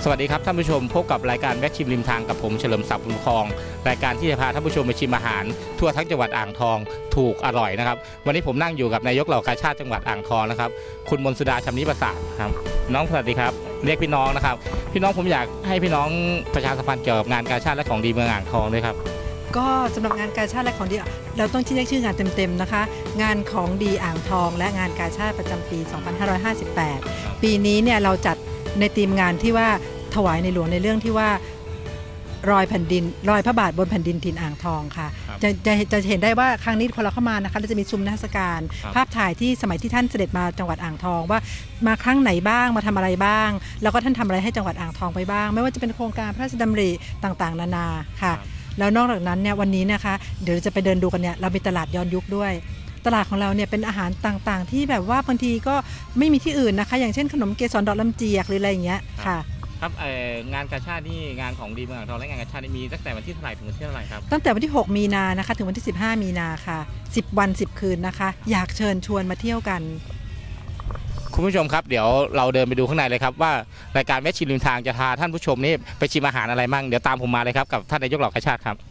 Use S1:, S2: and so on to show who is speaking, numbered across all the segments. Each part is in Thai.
S1: สวัสดีครับท่านผู้ชมพบกับรายการแวะชิมริมทางกับผมเฉลิมศักดิ์บุญครองรายการที่จะพาท่านผู้ชมไปชิมอาหารทั่วทั้งจังหวัดอ่างทองถูกอร่อยนะครับวันนี้ผมนั่งอยู่กับนายกเหล่ากาชาดจังหวัดอ่างทองนะครับคุณมนสุดาชำนิประสาทครับน้องสวัสดีครับเรียกพี่น้องนะครับพี่น้องผมอยากให้พี่น้องประชาสัมพันธ์เกี่ยวกับงานกาชาดและของดีเมืองอ่างทองด้วยครับ
S2: ก็สำหรับงานกาชาดและของดีเราต้องเรียกชื่องานเต็มๆนะคะงานของดีอ่างทองและงานกาชาดประจำปี 2558 ปีนี้เนี่ยเราจัดในธีมงานที่ว่าถวายในหลวงในเรื่องที่ว่ารอยแผ่นดินรอยพระบาทบนแผ่นดินถิ่นอ่างทองค่ะจะเห็นได้ว่าครั้งนี้พอเราเข้ามานะคะเราจะมีซุ้มนิทรรศการภาพถ่ายที่สมัยที่ท่านเสด็จมาจังหวัดอ่างทองว่ามาครั้งไหนบ้างมาทำอะไรบ้างแล้วก็ท่านทำอะไรให้จังหวัดอ่างทองไปบ้างไม่ว่าจะเป็นโครงการพระราชดำริต่างๆนานาค่ะแล้วนอกจากนั้นเนี่ยวันนี้นะคะเดี๋ยวจะไปเดินดูกันเนี่ยเรามีตลาดย้อนยุคด้วยตลาดของเราเนี่ยเป็นอาหารต่างๆที่แบบว่าบางทีก็ไม่มีที่อื่นนะคะอย่างเช่นขนมเกสรดอกลำเจียกหรืออะไรอย่างเงี้ยค่ะ
S1: ครับงานกาชาดนี่งานของดีเมืองอ่างทองและงานกาชาดมีตั้งแต่วันที่เท่าไหร่ถึงวันที่เท่าไหร่ครับ
S2: ตั้งแต่วันที่6มีนานะคะถึงวันที่15มีนาค่ะ10วัน10คืนนะคะอยากเชิญชวนมาเที่ยวกัน
S1: คุณผู้ชมครับเดี๋ยวเราเดินไปดูข้างในเลยครับว่ารายการแวะชิมริมทางจะพาท่านผู้ชมนี่ไปชิมอาหารอะไรมั่งเดี๋ยวตามผมมาเลยครับกับท่านนายกเหล่ากาชาดครับ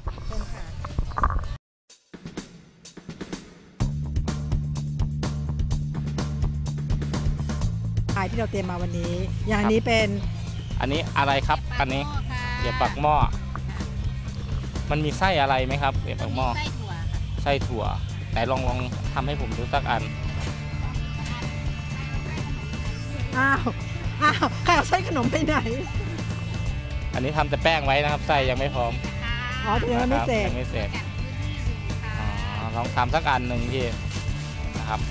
S2: ที่เราเตรียมมาวันนี้อย่างนี้เป็น
S1: อันนี้อะไรครับอันนี้เดี๋ยวปักหม้อมันมีไส้อะไรไหมครับเดี๋ยวปักหม้อไส้ถั่วไหนลองทำให้ผมดูสักอัน
S2: อ้าวใครเอาไส้ขนมไปไหน
S1: อันนี้ทำแต่แป้งไว้นะครับไส้ยังไม่พร้อม
S2: ยังไม่เสร็จ
S1: ลองทำสักอันหนึ่งที่นะครับ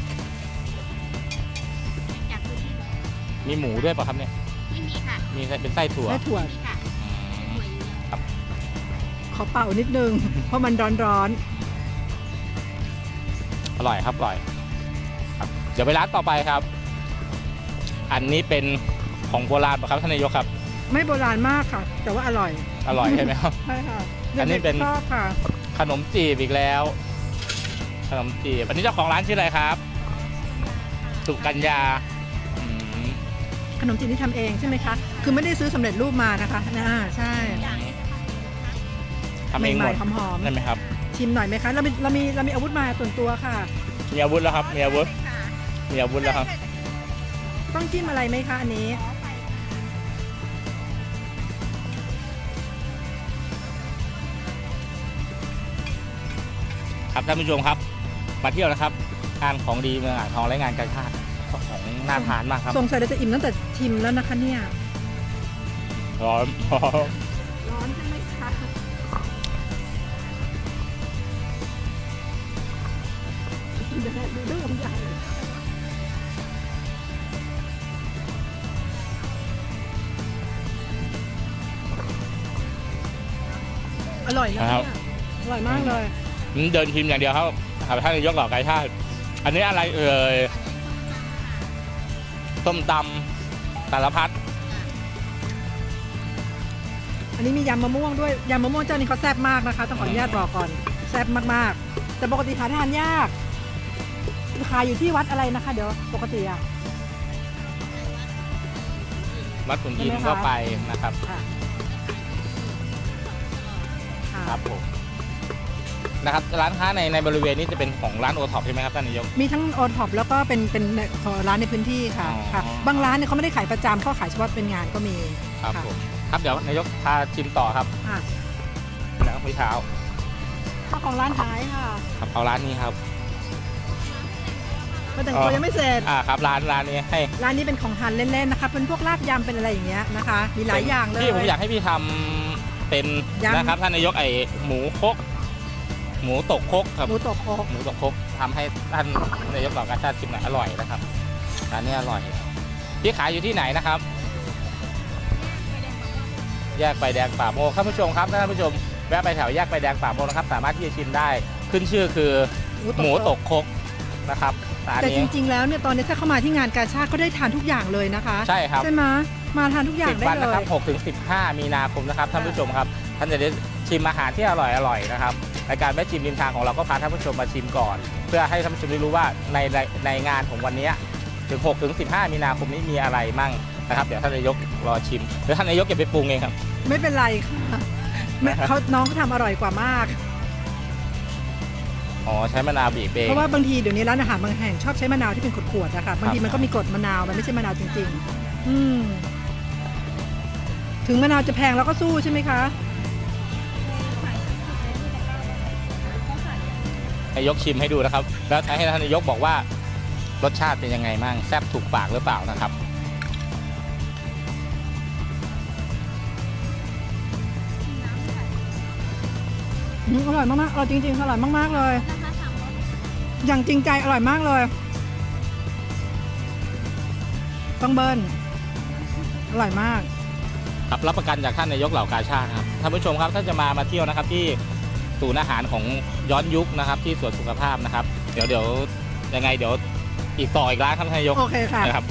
S1: มีหมูด้วยป่ะครับเนี่ย
S3: ไม่มีค่ะ
S1: มีเป็นไส้ถั่ว
S2: ครับขอเป่านิดนึงเพราะมันร้อน
S1: อร่อยครับอร่อยครับเดี๋ยวไปร้านต่อไปครับอันนี้เป็นของโบราณป่ะครับท่านนายกครับ
S2: ไม่โบราณมากค่ะแต่ว่าอร่อย
S1: ใช่ไหมครับ
S2: ใช่ค่ะ
S1: อันนี้เป็นขนมจีบอีกแล้วขนมจีบอันนี้เจ้าของร้านชื่ออะไรครับสุกัญญา
S2: ขนมจีนที่ทำเองใช่ไหมคะคือไม่ได้ซื้อสำเร็จรูปมานะคะใช่
S1: ทำเองหมด
S2: หอมๆ
S1: ได้ไหมครับ
S2: ชิมหน่อยไหมคะเรามีอาวุธมาส่วนตัวค่ะ
S1: มีอาวุธแล้วครับมีอาวุธแล้วครับ
S2: ต้องจิ้มอะไรไหมคะอันนี้
S1: ครับท่านผู้ชมครับมาเที่ยวนะครับงานของดีเมืองอ่างทองและงานกาชาดของน่าทานมากครับ
S2: สงสัยเราจะอิ่มตั้งแต่ชิมแล้วนะคะเนี่ย
S1: ร้อน
S2: ใช่ไหมคะดูเรื่องใหญ่อร่อยนะครับอร่อยมากเลย
S1: เดินชิมอย่างเดียวครับท่านนายกเหล่ากาชาดอันนี้อะไรต้มตำสารพัด
S2: อันนี้มียำมะม่วงด้วยยำมะม่วงเจ้านี้เขาแซ่บมากนะคะต้องขออนุญาตบอกก่อนแซ่บมากๆแต่ปกติหาทานยากขายอยู่ที่วัดอะไรนะคะเดี๋ยวปกติ
S1: วัดขุนอินทร์ก็ไปนะครับครับผมนะครับร้านค้าในบริเวณนี้จะเป็นของร้านโอท็อปใช่ไหมครับท่านนายก
S2: มีทั้งโอท็อปแล้วก็เป็นร้านในพื้นที่ค่ะบางร้านเนี่ยเขาไม่ได้ขายประจำเขาขายเฉพาะเป็นงานก็มี
S1: ครับผมครับเดี๋ยวนายกพาชิมต่อครับแล้วพี่เท้า
S2: เจ้าของร้านขายค่ะ
S1: ครับเอาร้านนี้ครับ
S2: ก็แต่งตัวยังไม่เสร็จ
S1: ครับร้านนี้ให้
S2: ร้านนี้เป็นของทานเล่นๆนะคะเป็นพวกลาบยำเป็นอะไรอย่างเงี้ยนะคะมีหลายอย่างเลย
S1: พี่ผมอยากให้พี่ทำเป็นนะครับท่านนายกหมูคกหมูตกคกครับ
S2: หมูตกคก
S1: ทำให้ท่านนายกเหล่ากาชาดชิมหน่อยอร่อยนะครับร้านนี้อร่อยพี่ขายอยู่ที่ไหนนะครับแยกไฟแดงป่าโมกท่านผู้ชมครับท่านผู้ชมแวะไปแถวแยกไฟแดงป่าโมกนะครับสามารถที่จะชิมได้ขึ้นชื่อคือหมูตกคกนะครับ
S2: แต่จริงๆแล้วเนี่ยตอนนี้ถ้าเข้ามาที่งานกาชาดก็ได้ทานทุกอย่างเลยนะคะ
S1: ใช่ครับ
S2: ใช่ไหมมาทานทุกอย่างได้เลย10 วัน
S1: นะครับ6 ถึง 15 มีนาคมนะครับท่านผู้ชมครับท่านจะได้ชิมอาหารที่อร่อยนะครับรายการแวะชิมริมทางของเราก็พาท่านผู้ชมมาชิมก่อนเพื่อให้ท่านผู้ชมได้รู้ว่าในงานของวันนี้ถึง6 ถึง 15 มีนาคมนี้มีอะไรมั่งนะครับเดี๋ยวท่านนายกรอชิมหรือท่านนายกจะไปปรุงเองครับ
S2: ไม่เป็นไรค่ะน้องเขาทำอร่อยกว่ามาก
S1: อ๋อใช้มะนาวบีบเอง
S2: เพราะว่าบางทีเดี๋ยวนี้ร้านอาหารบางแห่งชอบใช้มะนาวที่เป็นขวดๆนะคะบางทีมันก็มีกรดมะนาวมันไม่ใช่มะนาวจริงๆถึงมะนาวจะแพงแล้วก็สู้ใช่ไหมคะ
S1: นายกชิมให้ดูนะครับแล้วให้ท่านนายกบอกว่ารสชาติเป็นยังไงมั่งแซ่บถูกปากหรือเปล่านะครับ
S2: อร่อยมากๆอร่อยจริงๆอร่อยมากๆเลยอย่างจริงใจอร่อยมากเลยต้องเบิ้ลอร่อยมาก
S1: ครับรับประกันจากท่านนายกเหล่ากาชาติครับท่านผู้ชมครับถ้าจะมาเที่ยวนะครับที่ศูนย์อาหารของย้อนยุคนะครับที่สวนสุขภาพนะครับเดี๋ยวยังไงเดี๋ยวอีกร้านครับท่านนายก
S2: โอเคค่ะ
S1: นะครับ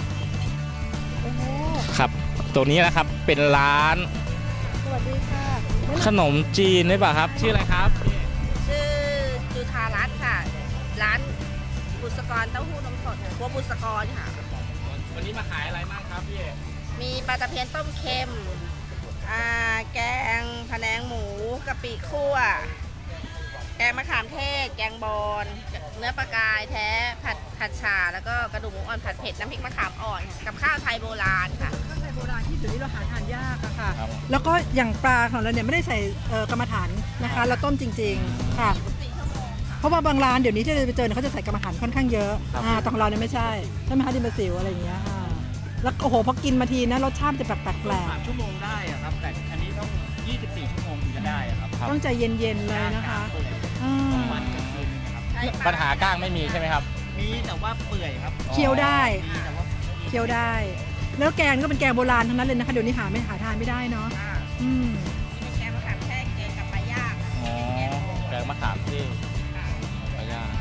S1: ครับตัวนี้นะครับเป็นร้าน
S2: สวัสดีค่ะ
S1: ขนมจีนได้ป่ะครับชื่ออะไรครับ
S3: ชื่อจุธารัตน์ค่ะร้านบุษกรเต้าหู้นมสดครัวบุษกรค่ะ
S1: วันนี้มาขายอะไรบ้างครับพี่
S3: มีปลาตะเพียนต้มเค็มแกงพะแนงหมูกะปิคั่วแกงมะขามเทศแกงบอนเนื้อปลากายแท้ผัดฉ่าแล้วก็กระดูกหมูอ่อนผัดเผ็ดน้ำพริกมะขามอ่อนกับข้าวไทยโบราณค่ะ
S2: ข้าวไทยโบราณที่เดี๋ยวนี้เราหาทานยากอะค่ะแล้วก็อย่างปลาของเราเนี่ยไม่ได้ใส่กรรมฐานนะคะเราต้มจริงๆค่ะเพราะว่าบางร้านเดี๋ยวนี้ที่เราไปเจอเขาจะใส่กรรมฐานค่อนข้างเยอะตรงเราเนี่ยไม่ใช่ใช่ไหมคะดิมบะซิวอะไรอย่างเงี้ยแล้วโอ้โหพอกินมาทีนะรสชาติจะแปลก
S4: 3 ชั่วโมงได้อะครับแต่อันนี้ต้อง24 ชั่วโมงถึงจะได้อะครับ
S2: ต้องใจเย็นๆเลยนะคะ
S4: มันกับคืนนะครับ
S1: ปัญหาก้างไม่มีใช่ไหมครับ
S4: มีแต่ว่าเปื่อยครับ
S2: เคี้ยวได้เคี้ยวได้แล้วแกงก็เป็นแกงโบราณทั้งนั้นเลยนะคะเดี๋ยวนี้หาทานไม่ได้เนาะ
S3: แกงมะขามแทศแกงกับปลาย่าง
S1: แกงมะขามเทศปลาย่าง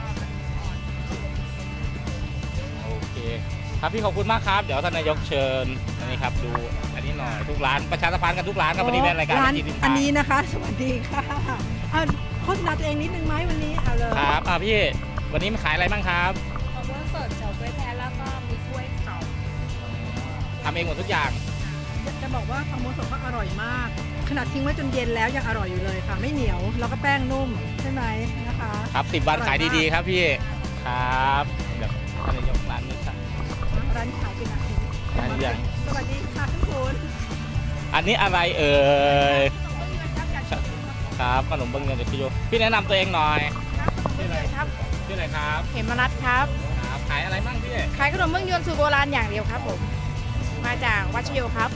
S1: โอเคครับพี่ขอบคุณมากครับเดี๋ยวท่านนายกเชิญอันนี้ครับดูอันนี้หน่อยทุกร้านประชาสัมพันธ์กันทุกร้านครับวันนี้เป็นรายการ
S2: อันนี้นะคะสวัสดีค่ะโฆษณาตัวเองนิดนึงไหมวันนี้เอาเลย
S1: ครับพี่วันนี้มาขายอะไรบ้างครับ
S3: ข้าวโพดสดเฉาก๊วยแท้แล้วก็มีกล้วยสอง
S1: ทำเองหมดทุกอย่าง
S2: จะบอกว่าข้าวโพดสดก็อร่อยมากขนาดทิ้งไว้จนเย็นแล้วยังอร่อยอยู่เลยค่ะไม่เหนียวแล้วก็แป้งนุ่มใช่ไหมนะคะ
S1: ครับ10 วันขายดีๆครับพี่ครับเดี๋ยวท่านนายกร้านนี้ครับ
S2: ร้านขายเป็นอะไร
S1: ร้านยัง
S2: สวัสดีค่ะทุกคน
S1: อันนี้อะไรเอ่ยครับขนมเบื้องเงินจากพี่โยพี่แนะนำตัวเองหน่อย
S3: ชื่ออะไรครับ
S1: ชื่ออะไรครับ
S3: เหมรัตน์ครับ
S1: ขายอะไรบ้างพี่
S3: ขายขนมเบื้องยวนสูตรโบราณอย่างเดียวครับผมมาจากวัชโยครับ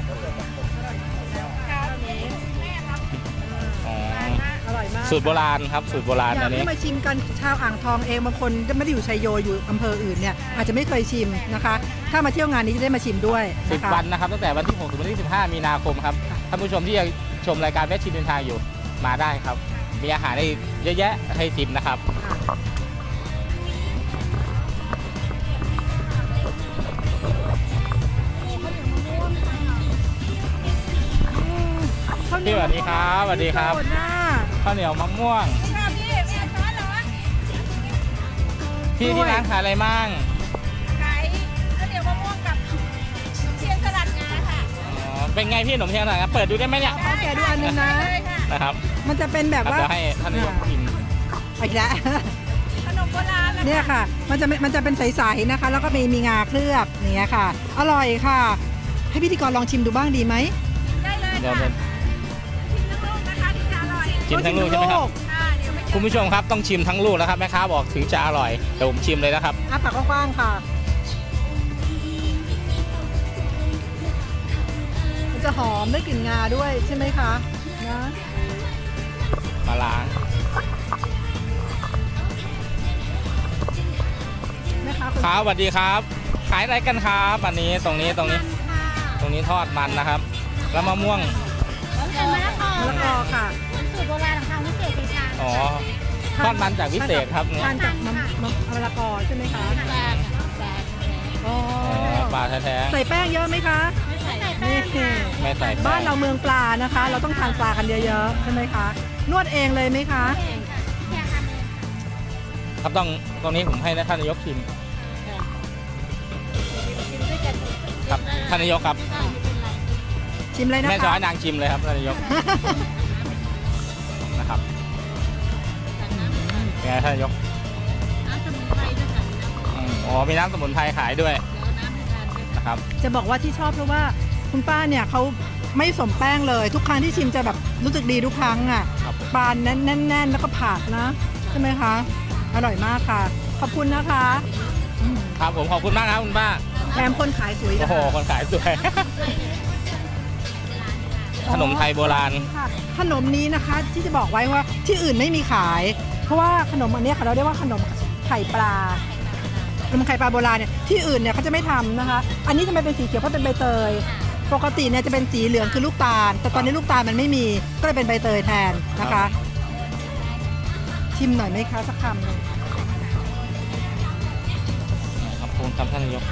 S2: อร่อยมาก
S1: สูตรโบราณครับสูตรโบราณ
S2: อันนี้มาชิมกันชาวอ่างทองเองบางคนไม่ได้อยู่ชัยโยอยู่อำเภออื่นเนี่ยอาจจะไม่เคยชิมนะคะถ้ามาเที่ยวงานนี้จะได้มาชิมด้วย
S1: 10 วันนะครับตั้งแต่วันที่6ถึงวันที่15 มีนาคมครับท่านผู้ชมที่ยังชมรายการแวะชิมเดินทางอยู่มาได้ครับมีอาหารให้เยอะแยะให้ชิมนะครับพี่สวัสดีครับสวัสดีครับข้าวเหนียวมะม่วงพี่ที่ร้านขายอะไรมั่ง
S3: ขายข้าวเหนียวมะม่วงกับเชียงสลัดงาค่ะ
S1: เป็นไงพี่ขนมเชียงสลัดงาเปิดดูได้ไหมเนี่ย
S2: แกดูอันนึง
S1: นะครับ
S2: มันจะเป็นแบบว่า
S1: ให้ท่านนายกกิน
S2: อีกแล้ว
S3: ขนมโบราณ
S2: เนี่ยค่ะมันจะเป็นใสๆนะคะแล้วก็มีงาเคลือบอย่างเงี้ยค่ะอร่อยค่ะให้พิธีกรลองชิมดูบ้างดีไหม
S3: ได้เลยค่ะ
S1: ชิมทั้งลูกใช่ไหมครับคุณผู้ชมครับต้องชิมทั้งลูกนะครับแม่ค้าบอกถึงจะอร่อยเดี๋ยวผมชิมเลยนะครับ
S2: ปากกว้างๆค่ะมันจะหอมได้กลิ่นงาด้วยใช่ไหมคะนะ
S1: มาล้าง
S2: แม่ค้า
S1: ครับสวัสดีครับขายอะไรกันครับอันนี้ตรงนี้ทอดมันนะครับแล้วมะม่วง
S3: มะละกอ
S2: ค่ะ
S3: สูตรโบราณของทางวิเศษชัยชาญ
S1: อ๋อทอดมันจากวิเศษครับ
S2: ทานจากมะละกอใช่ไหมคะ
S1: ปลาแท้
S2: ๆใส่แป้งเยอะไหมคะ
S1: ไม่ใส่
S2: บ้านเราเมืองปลานะคะเราต้องทานปลากันเยอะๆใช่ไหมคะนวดเองเลยไหมคะ
S1: ครับตรงนี้ผมให้ท่านนายกชิมครับท่านนายกครับ
S2: ชิมเลยนะ
S1: แม่จะ
S2: คะ
S1: ให้นางชิมเลยครับท่านนายกนะครับเป็นไงท่านนายกอ๋อมีน้ำสมุนไพรขายด้วยนะครับ
S2: จะบอกว่าที่ชอบเพราะว่าคุณป้าเนี่ยเขาไม่สมแป้งเลย ทุกครั้งที่ชิมจะแบบรู้สึกดีทุกครั้งอ่ะ
S1: ครับ
S2: ปลาแน่นๆแล้วก็ผักนะใช่ไหมคะอร่อยมากค่ะ ขอบคุณนะคะอืม
S1: ครับผมขอบคุณมากครับคุณป้า
S2: แถมคนขายสวย
S1: โอ้
S2: นะ
S1: โห
S2: คะ
S1: คนขายสวย ขนมไทยโบราณ
S2: ค่ะขนมนี้นะคะที่จะบอกไว้ว่าที่อื่นไม่มีขาย เพราะว่าขนมอันเนี้ยค่ะเราเรียกว่าขนมไข่ปลาขนมไข่ปลาโบราณเนี่ยที่อื่นเนี่ยเขาจะไม่ทำนะคะ อันนี้ทำไมเป็นสีเขียวเพราะเป็นใบเตย ปกติเนี่ยจะเป็นสีเหลืองคือลูกตาล แต่ตอนนี้ลูกตาลมันไม่มีก็เลยเป็นใบเตยแทนนะคะ ชิมหน่อยไหมคะสักคำหนึ่ง
S1: ขอบคุณครับท่านนายก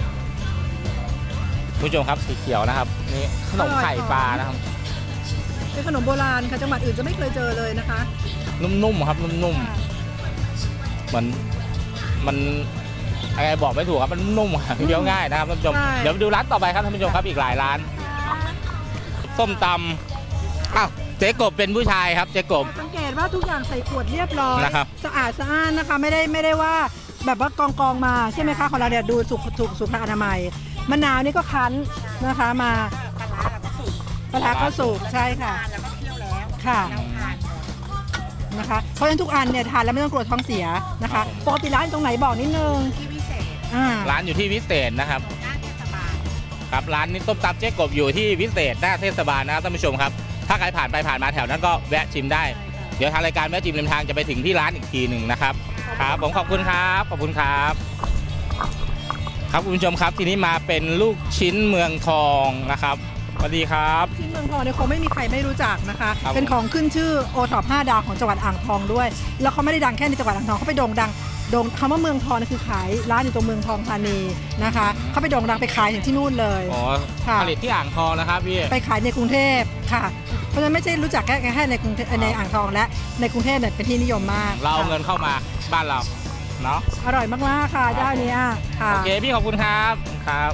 S1: ผู้ชมครับสีเขียวนะครับนี่ขนมไข่ปลานะครับ
S2: เป็นขนมโบราณค่ะจังหวัดอื่นจะไม่เคยเจอเลยนะคะ
S1: นุ่มๆครับนุ่มๆเหมือนมันอะไรบอกไม่ถูกครับมันนุ่มครับเคี้ยวง่ายนะครับท่านผู้ชม
S2: ใช่
S1: เดี๋ยวไปดูร้านต่อไปครับท่านผู้ชมครับอีกหลายร้านส้มตำอ้าวเจ๊กบเป็นผู้ชายครับเจ๊กบ
S2: สังเกตว่าทุกอย่างใส่ขวดเรียบร้อย
S1: นะครับ
S2: สะอาดสะอ้านนะคะไม่ได้ว่าแบบว่ากองมาใช่ไหมคะของเราเนี่ยดูสุขอนามัยมะนาวนี่ก็คั้นนะคะมาปลาร้าก็สุกใช่ค่ะ
S3: แล้วก็เคี่ยวแล้ว
S2: ค่ะ
S3: เราทาน
S2: นะคะเพราะฉะนั้นทุกอันเนี่ยทานแล้วไม่ต้องกลัวท้องเสียนะคะปกติร้านตรงไหนบอกนิดนึง
S3: ที่พิเศษ
S1: ร้านอยู่ที่วิเศษนะครับ
S3: หน้าเทศบาล
S1: ครับร้านนี้ต้มตำเจ๊กบอยู่ที่วิเศษหน้าเทศบาลนะครับท่านผู้ชมครับถ้าใครผ่านไปผ่านมาแถวนั้นก็แวะชิมได้ เดี๋ยวทางรายการแวะชิมริมทางจะไปถึงที่ร้านอีกทีหนึ่งนะครับครับผมขอบคุณครับขอบคุณครับครับคุณผู้ชมครับทีนี้มาเป็นลูกชิ้นเมืองทองนะครับสวัสดีครับ
S2: ชิ้นเมืองทองเนี่ยคงไม่มีใครไม่รู้จักนะคะ
S1: ครับ
S2: เป็นของขึ้นชื่อโอท็อป5 ดาวของจังหวัดอ่างทองด้วย แล้วเขาไม่ได้ดังแค่ในจังหวัดอ่างทองเขาไปโด่งดังคำว่าเมืองทองนี่คือขายร้านอยู่ตรงเมืองทองธานีนะคะเขาไปโด่งดังไปขายถึงที่นู่นเลย
S1: อ๋อ
S2: ค่ะ
S1: ผลิตที่อ่างทองนะครับพี่
S2: ไปขายในกรุงเทพค่ะ เพราะฉะนั้นไม่ใช่รู้จักแค่ในกรุงเทพในอ่างทองและในกรุงเทพเนี่ยเป็นที่นิยมมาก
S1: เราเอา
S2: ค่ะ
S1: เงินเข้ามาบ้านเราเนาะ
S2: อร่อยมากๆค่ะเจ้าเนี้ยค่ะ
S1: โอเคพี่ขอบคุณครับครับ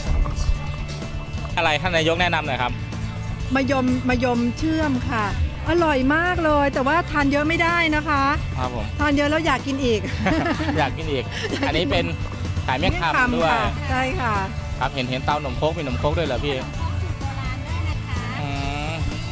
S1: อะไรท่านนายกแนะนำหน่อยครับ
S2: มะยมเชื่อมค่ะ อร่อยมากเลย แต่ว่าทานเยอะไม่ได้นะคะ
S1: ครับผม
S2: ทานเยอะแล้วอยากกินอีก
S1: อยากกินอีก อันนี้เป็นขายเมี่ยงคำด้วย
S2: ค่ะใช่ค่ะ
S1: ครับเห็นเตาหนมโคกมีหนมโคกด้วยเหรอพี่อืม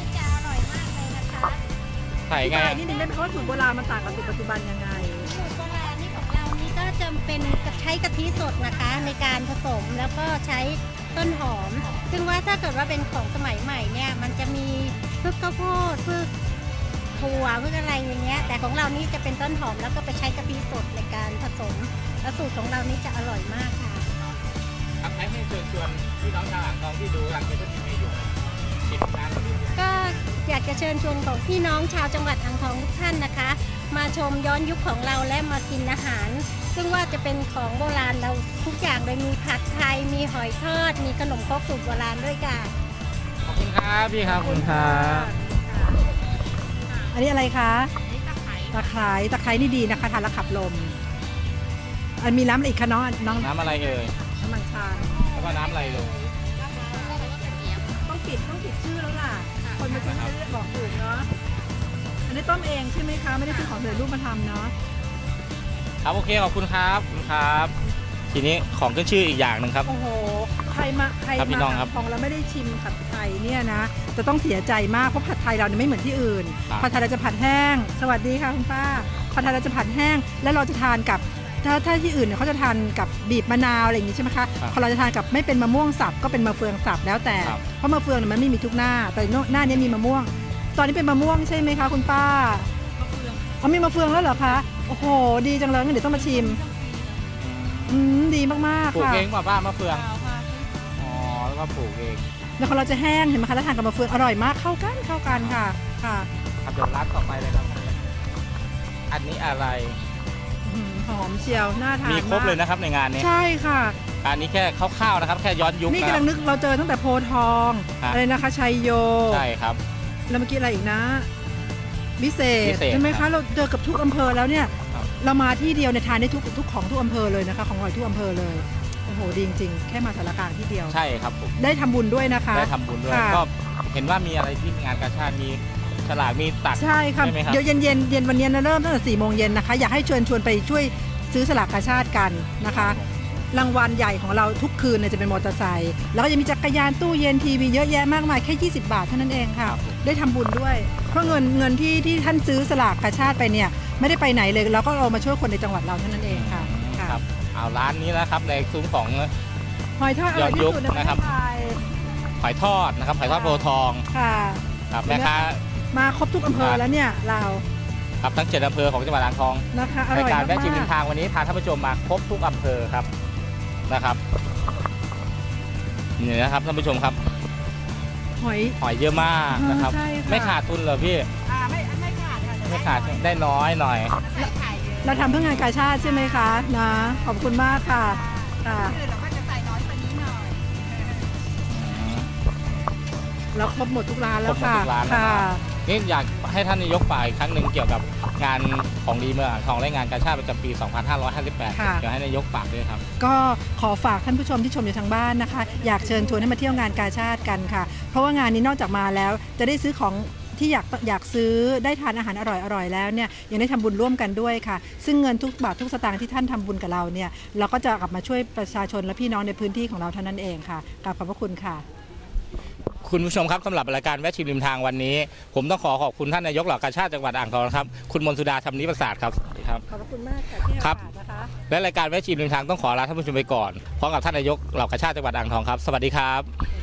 S1: ใส่ไง
S2: อธิบายนิดนึงได้ไหมว่าสูตรโบราณมันต่างกับสูตรปัจจุบันยังไง
S5: สูตรโบราณนี่ของเรานี่ก็จะเป็นใช้กะทิสดนะคะในการผสมแล้วก็ใช้ต้นหอม ซึ่งว่าถ้าเกิดว่าเป็นของสมัยใหม่เนี่ยมันจะมีพืชข้าวโพดพืชถั่วพืชอะไรอย่างเงี้ยแต่ของเรานี่จะเป็นต้นหอมแล้วก็ไปใช้กะทิสดในการผสมแล้วสูตรของเรานี่จะอร่อยมากค่ะ
S1: ครับให้เชิญชวนพี่น้องชาวอ่างทองที่ดูทางยูทูบทีวีอยู่ชิมร้านนี้
S5: ก็อยากจะเชิญชวนของพี่น้องชาวจังหวัดอ่างทองทุกท่านนะคะ มาชมย้อนยุคของเราและมากินอาหาร ซึ่งว่าจะเป็นของโบราณเราทุกอย่างเลยมีผัดไทยมีหอยทอด มีขนมครกสูตรโบราณด้วยค่ะ
S1: ขอบคุณครับพี่ครับขอบคุณครับ
S2: อันนี้อะไรคะตะไคร้นี่ดีนะคะทานแล้วขับลม อันมีน้ำอะไรอีกคะน้อง
S1: น้ำอะไรเอ่ย
S2: น้ำมันชา
S1: แล้วก็น้ำอะไรลูก
S2: ต้องปิดชื่อแล้วล่ะ คนมาซื้อไม่ได้บอกถูกเนาะ อันนี้ต้มเองใช่ไหมคะ ไม่ได้ซื้อของสำเร็จรูปมาทำเนาะ
S1: ครับโอเคขอบคุณครับขอบคุณครับ ทีนี้ของขึ้นชื่ออีกอย่างหนึ่งครับ
S2: โอ้โห ใครมา
S1: ครับพี่น้องครับ
S2: ของเราไม่ได้ชิมผัดไทยเนี่ยนะ จะต้องเสียใจมากเพราะผัดไทยเราเนี่ยไม่เหมือนที่อื่น
S1: ครับ
S2: ผัดไทยเราจะผัดแห้ง สวัสดีค่ะคุณป้า ผัดไทยเราจะผัดแห้ง แล้วเราจะทานกับ ถ้าที่อื่นเนี่ยเขาจะทานกับบีบมะนาวอะไรอย่างงี้ใช่ไหมคะของเราจะทานกับไม่เป็นมะม่วงสับก็เป็นมะเฟืองสับแล้วแต่ เพราะมะเฟืองเนี่ยมันไม่มีทุกหน้า แต่หน้านี้มีมะม่วง ตอนนี้เป็นมะม่วงใช่ไหมคะคุณป้ามีมะเฟืองแล้วเหรอคะ โอ้โห ดีจังเลยงั้นเดี๋ยวต้องมาชิม ดีมากๆ
S1: ปลูก
S2: ค่ะ
S1: เองป่ะป้ามะเฟืองอ๋อแล้วก็ปลูกเอง
S2: แล้วของเราจะแห้งเห็นไหมคะแล้วทานกับมะเฟืองอร่อยมากเข้ากันค่ะค่ะ
S1: ครับเดี๋ยวร้านต่อไปเลยครับอันนี้อะไร
S2: หอมเชียวน่าทาน
S1: มีครบเลยนะครับในงานนี้
S2: ใช่ค่ะ
S1: อันนี้แค่คร่าวๆนะครับแค่ย้อนยุค
S2: นี่
S1: นะค
S2: กำ
S1: รั
S2: ลั
S1: บ
S2: งนึกเราเจอตั้งแต่โพธิ์ทอง
S1: ครับ
S2: อะไรนะคะชัยโย
S1: ใช่ครับ
S2: แล้วเมื่อกี้อะไรอีกนะวิเศ
S1: วิ
S2: ษ
S1: เศษ
S2: ใช่ไหม
S1: ครั
S2: คะ
S1: บ
S2: เราเจอกับทุกอำเภอแล้วเนี่ย
S1: ครับ
S2: เรามาที่เดียวเนี่ยทานได้ทุกของทุกอำเภอเลยนะคะของอร่อยทุกอำเภอเลยโหดีจริงๆแค่มาสารกลางที่เดียว
S1: ใช่ครับผม
S2: ได้ทำบุญด้วยนะคะ
S1: ได้ทำบุญด้วย
S2: ค่ะ
S1: ก็เห็นว่ามีอะไรที่งานกาชาติมีฉลากมีตัก
S2: ใช่ครับ
S1: ใช่ไหมครับ
S2: เดี๋ยวเย็นวันนี้นะเริ่มตั้งแต่4 โมงเย็นนะคะอยากให้ชวนไปช่วยซื้อสลากกาชาติกันนะคะ รางวัลใหญ่ของเราทุกคืนเนี่ยจะเป็นมอเตอร์ไซค์แล้วก็จะมีจักรยานตู้เย็นทีวีเยอะแยะมากมายแค่20 บาทเท่านั้นเองค่ะ
S1: ครับผม
S2: ได้ทำบุญด้วย เพราะเงินที่ท่านซื้อสลากกาชาติไปเนี่ยไม่ได้ไปไหนเลยเราก็เอามาช่วยคนในจังหวัดเราเท่านั้นเองค่ะค่ะ
S1: ครับเอาร้านนี้นะครับในซุ้มของ
S2: หอยทอดอร่อยที่สุดในประเท
S1: นะครับ
S2: ศไทย
S1: หอยทอดนะครับหอยทอดโพธิ์ทอง
S2: ค่ะ
S1: ครับแม่ค้า
S2: มาครบทุกอำเภอแล้วเนี่ยเรา
S1: ครับทั้ง7 อำเภอของจังหวัดอ่างทอง
S2: นะคะอ
S1: ใน
S2: ร่อย
S1: การแวะชิมริ
S2: มาม ก
S1: ทางวันนี้พาท่านผู้ชมมาครบทุกอำเภอครับนะครับนี่นะครับท่านผู้ชมครับ
S2: ๆหอย
S1: หอยเยอะมากนะครับ
S2: ใช่ค่ะ
S1: ไม่ขาดทุนเหรอพี่
S3: ไม่ขาดค่ะแต่
S1: ไม่ขาดได้น้อยหน่อย
S3: ใส่ไข่เยอะ
S2: เราทำเพื่องานกาชาติใช่ไหมคะนะขอบคุณมากค่ะค่ะ
S3: คือเราก็จะใส่น้อยกว่านี้หน่อย
S2: เราครบหมดทุกร้านแล้วค่ะ
S1: ครบหมดทุกร้านแล้ว
S2: ค่ะ
S1: นี่อยากให้ท่านนายกฝากอีกครั้งหนึ่งเกี่ยวกับงานของดีเมืองอ่างทองและงานกาชาติประจำปี 2558
S2: ค่ะ
S1: เดี๋ยวให้นายกฝากด้วยครับ
S2: ก็ขอฝากท่านผู้ชมที่ชมอยู่ทางบ้านนะคะ อยากเชิญชวนให้มาเที่ยวงานกาชาติกันค่ะ เพราะว่างานนี้นอกจากมาแล้วจะได้ซื้อของที่อยากซื้อได้ทานอาหารอร่อยแล้วเนี่ยยังได้ทำบุญร่วมกันด้วยค่ะ ซึ่งเงินทุกบาททุกสตางค์ที่ท่านทำบุญกับเราเนี่ยเราก็จะกลับมาช่วยประชาชนและพี่น้องในพื้นที่ของเราเท่านั้นเองค่ะกราบขอบพระคุณค่ะ
S1: คุณผู้ชมครับสำหรับรายการแวะชิมริมทางวันนี้ ผมต้องขอบคุณท่านนายกเหล่ากาชาติจังหวัดอ่างทองนะครับคุณมนต์สุดาธรรมนิประสาทครับสวัสดีครับ
S2: ขอบพระคุณมากค่ะที่ให้
S1: ครับ
S2: โอกาสนะคะ
S1: และรายการแวะชิมริมทางต้องขอลาท่านผู้ชมไปก่อนพร้อมกับท่านนายกเหล่ากาชาติจังหวัดอ่างทองครับสวัสดีครับ